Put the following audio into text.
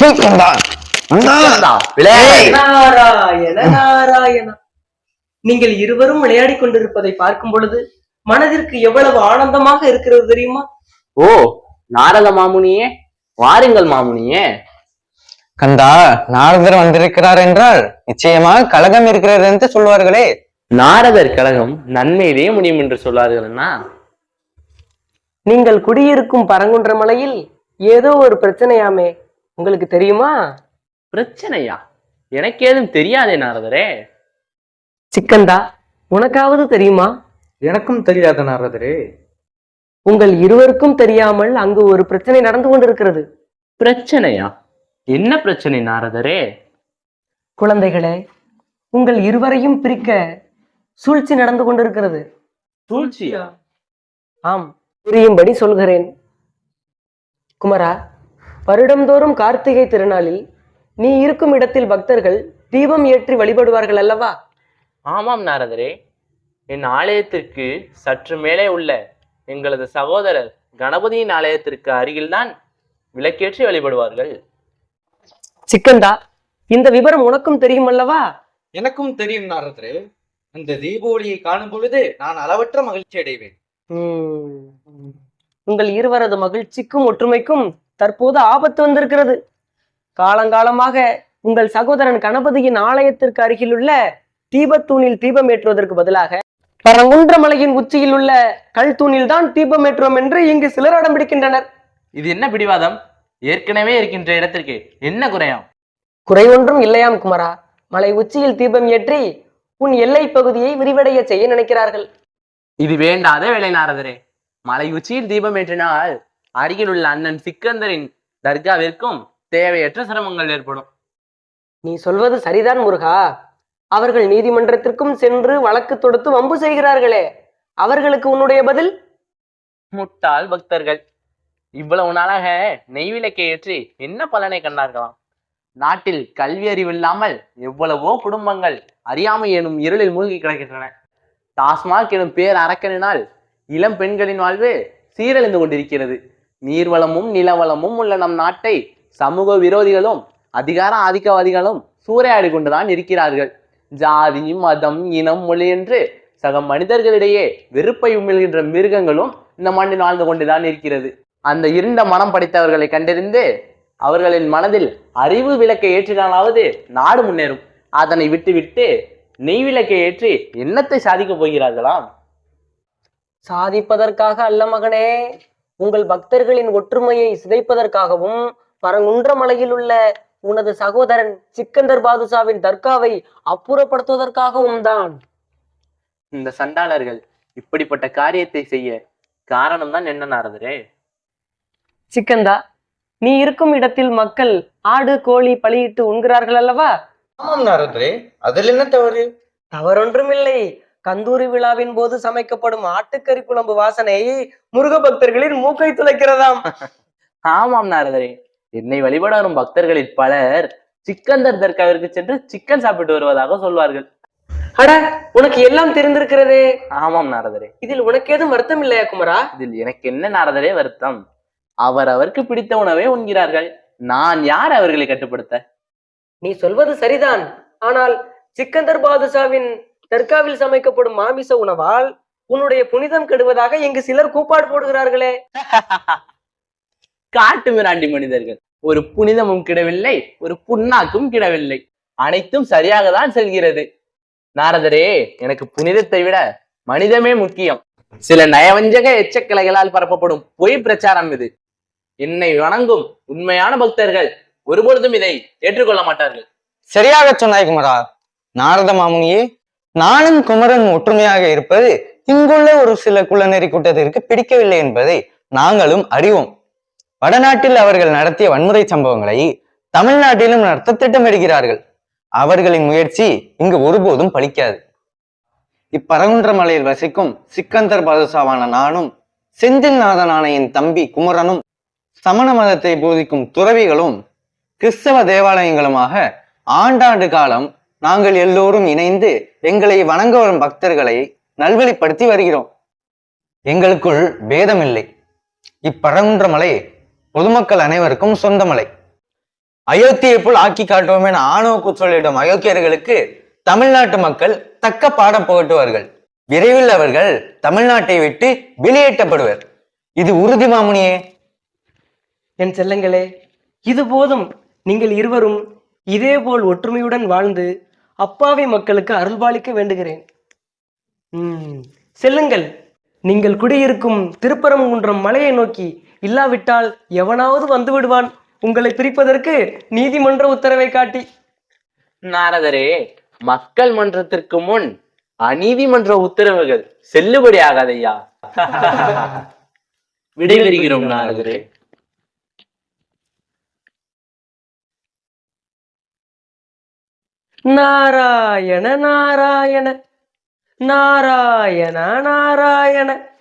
நாராயண நாராயண. நீங்கள் இருவரும் விளையாடி கொண்டிருப்பதை பார்க்கும் பொழுது மனதிற்கு எவ்வளவு ஆனந்தமாக இருக்கிறது தெரியுமா? ஓ, நாரத மாமுனியே, வாருங்கள் மாமுனியே. கந்தா, நாரதர் வந்திருக்கிறார் என்றால் நிச்சயமாக கலகம் இருக்கிறது என்று சொல்வார்களே. நாரதர் கழகம் நன்மையிலே முடியும் என்று சொல்வார்கள்னா? நீங்கள் குடியிருக்கும் பரங்குன்ற மலையில் ஏதோ ஒரு பிரச்சனையாமே, உங்களுக்கு தெரியுமா? பிரச்சனையா? எனக்கு ஏதும் தெரியாதே நாரதரே. சிக்கந்தா, உனக்காவது தெரியுமா? எனக்கும் தெரியாத நாரதரே. உங்கள் இருவருக்கும் தெரியாமல் அங்கு ஒரு பிரச்சனை நடந்து கொண்டிருக்கிறது. பிரச்சனையா? என்ன பிரச்சனை நாரதரே? குழந்தைகளே, உங்கள் இருவரையும் பிரிக்க சூழ்ச்சி நடந்து கொண்டிருக்கிறது. சூழ்ச்சியா? ஆம், புரியும்படி சொல்கிறேன். குமரா, வருடந்தோறும் கார்த்திகை திருநாளில் நீ இருக்கும் இடத்தில் பக்தர்கள் தீபம் ஏற்றி வழிபடுவார்கள் அல்லவா? ஆமாம் நாரதரே. என் ஆலயத்திற்கு சற்று மேலே உள்ள எங்களது சகோதரர் கணபதியின் ஆலயத்திற்கு அருகில்தான் விளக்கேற்றி வழிபடுவார்கள். சிக்கந்தா, இந்த விவரம் உனக்கும் தெரியும் அல்லவா? எனக்கும் தெரியும் நாரதரே. அந்த தீபாவளியை காணும் பொழுது நான் அளவற்ற மகிழ்ச்சி அடைவேன். உங்கள் இருவரது மகிழ்ச்சிக்கும் ஒற்றுமைக்கும் தற்போது ஆபத்து வந்திருக்கிறது. காலங்காலமாக உங்கள் சகோதரன் கணபதியின் ஆலயத்திற்கு அருகிலுள்ள தீபத்தூணில் தீபம் ஏற்றுவதற்கு பதிலாக பரங்குன்ற மலையின் உச்சியில் உள்ள கல் தூணில் தான் தீபம் ஏற்றுவோம் என்று இங்கு சிலர் அடம் பிடிக்கின்றனர். இது என்ன பிடிவாதம்? ஏற்கனவே இருக்கின்ற இடத்திற்கு என்ன குறையாம்? குறை ஒன்றும் இல்லையாம் குமரா. மலை உச்சியில் தீபம் ஏற்றி உன் எல்லை பகுதியை விரிவடைய செய்ய நினைக்கிறார்கள். இது வேண்டாத வேலை நாரதரே. மலை உச்சியில் தீபம் ஏற்றினால் அருகில் உள்ள அண்ணன் சிக்கந்தரின் தர்காவிற்கும் தேவையற்ற சிரமங்கள் ஏற்படும். நீ சொல்வது சரிதான் முருகா. அவர்கள் நீதிமன்றத்திற்கும் சென்று வழக்கு தொடுத்து வம்பு செய்கிறார்களே, அவர்களுக்கு உன்னுடைய பதில்? முட்டாள் பக்தர்கள். இவ்வளவு நாளாக நெய்விளக்கை ஏற்றி என்ன பலனை கண்டார்களாம்? நாட்டில் கல்வி அறிவு இல்லாமல் எவ்வளவோ குடும்பங்கள் அறியாமை எனும் இருளில் மூழ்கி கிடக்கின்றன. டாஸ்மாக் எனும் பேர் அரக்கனினால் இளம் பெண்களின் வாழ்வு சீரழிந்து கொண்டிருக்கிறது. நீர்வளமும் நிலவளமும் உள்ள நம் நாட்டை சமூக விரோதிகளும் அதிகார ஆதிக்கவாதிகளும் சூறையாடி கொண்டுதான் இருக்கிறார்கள். ஜாதி, மதம், இனம், மொழி என்று சக மனிதர்களிடையே வெறுப்பை உமிழ்கின்ற மிருகங்களும் இந்த மண்ணில் வாழ்ந்து கொண்டுதான் இருக்கிறது. அந்த இருண்ட மனம் படைத்தவர்களை கண்டறிந்து அவர்களின் மனதில் அறிவு விளக்கை ஏற்றினாலாவது நாடு முன்னேறும். அதனை விட்டுவிட்டு நெய் விளக்கை ஏற்றி என்னத்தை சாதிக்கப் போகிறார்களாம்? சாதிப்பதற்காக அல்ல மகனே, உங்கள் பக்தர்களின் ஒற்றுமையை சிதைப்பதற்காகவும் பரங்குன்ற மலையில் உள்ள உனது சகோதரன் சிக்கந்தர் பாதுஷாவின் தர்காவை அப்புறப்படுத்துவதற்காகவும் தான். இந்த சண்டாளர்கள் இப்படிப்பட்ட காரியத்தை செய்ய காரணம் தான் என்ன நாரதரே? சிக்கந்தா, நீ இருக்கும் இடத்தில் மக்கள் ஆடு கோழி பலியிட்டு உண்கிறார்கள் அல்லவா? ஆமாம் நாரதரே, அதில் என்ன தவறு? தவறொன்றுமில்லை. கந்தூரி விழாவின் போது சமைக்கப்படும் ஆட்டுக்கறி குழம்பு வாசனை முருக பக்தர்களின் மூக்கை துளைக்கிறதாம். ஆமாம் நாரதரே, என்னை வழிபட வரும் பக்தர்களில் பலர் சிக்கந்தர் தர்காவிற்கு சென்று சிக்கன் சாப்பிட்டு வருவதாக சொல்வார்கள். அட, உனக்கு எல்லாம் தெரிந்திருக்கிறதே. ஆமாம் நாரதரே. இதில் உனக்கு ஏதும் வருத்தம் இல்லையா குமரா? இதில் எனக்கு என்ன நாரதரே வருத்தம்? அவருக்கு பிடித்த உணவே உண்கிறார்கள். நான் யார் அவர்களை கட்டுப்படுத்த? நீ சொல்வது சரிதான். ஆனால் சிக்கந்தர் பாதுஷாவின் தர்காவில் சமைக்கப்படும் மாமிச உணவால் உன்னுடைய புனிதம் கெடுவதாக இங்கு சிலர் கூப்பாடு போடுகிறார்களே. காட்டு மிராண்டி மனிதர்கள். ஒரு புனிதமும் கிடவில்லை, ஒரு புண்ணாக்கும் கிடவில்லை. அனைத்தும் சரியாக தான் செல்கிறது. நாரதரே, எனக்கு புனிதத்தை விட மனிதமே முக்கியம். சில நயவஞ்சக எச்சக்கலைகளால் பரப்பப்படும் பொய் பிரச்சாரம் இது. என்னை வணங்கும் உண்மையான பக்தர்கள் ஒருபொழுதும் இதை ஏற்றுக்கொள்ள மாட்டார்கள். சரியாக சொன்னாய் குமரா. நாரத மாமுனியே, நானும் குமரன் ஒற்றுமையாக இருப்பது இங்குள்ள ஒரு சில குலநெறி கூட்டத்திற்கு பிடிக்கவில்லை என்பதை நாங்களும் அறிவோம். வடநாட்டில் அவர்கள் நடத்திய வன்முறை சம்பவங்களை தமிழ்நாட்டிலும் நடத்த திட்டமிடுகிறார்கள். அவர்களின் முயற்சி இங்கு ஒருபோதும் பலிக்காது. இப்பரங்குன்ற மலையில் வசிக்கும் சிக்கந்தர் பாதுஷாவான நானும் செந்தில் நாதனான என் தம்பி குமரனும் சமண மதத்தை போதிக்கும் துறவிகளும் கிறிஸ்தவ தேவாலயங்களுமாக ஆண்டாண்டு காலம் நாங்கள் எல்லோரும் இணைந்து எங்களை வணங்க வரும் பக்தர்களை நல்வழிப்படுத்தி வருகிறோம். எங்களுக்குள் பேதமில்லை. இப்பரங்குன்ற மலை பொதுமக்கள் அனைவருக்கும் சொந்த மலை. அயோத்தியை போல் ஆக்கி காட்டுவோம் என ஆணவ கூச்சலிடும் அயோக்கியர்களுக்கு தமிழ்நாட்டு மக்கள் தக்க பாடம் புகட்டுவார்கள். விரைவில் அவர்கள் தமிழ்நாட்டை விட்டு வெளியேற்றப்படுவர். இது உறுதி மாமுனியே. என் செல்லங்களே, இது போதும். நீங்கள் இருவரும் இதேபோல் ஒற்றுமையுடன் வாழ்ந்து அப்பாவி மக்களுக்கு அருள்பாலிக்க வேண்டுகிறேன். செல்லுங்கள். நீங்கள் குடியிருக்கும் திருப்பரங்குன்றம் மலையை நோக்கி. இல்லாவிட்டால் எவனாவது வந்து விடுவான் உங்களை பிரிப்பதற்கு நீதிமன்ற உத்தரவை காட்டி. நாரதரே, மக்கள் மன்றத்திற்கு முன் அநீதிமன்ற உத்தரவுகள் செல்லுபடி ஆகாதையா. விடைபெறுகிறோம் நாரதரே. நாராயண நாராயண நாராயண நாராயண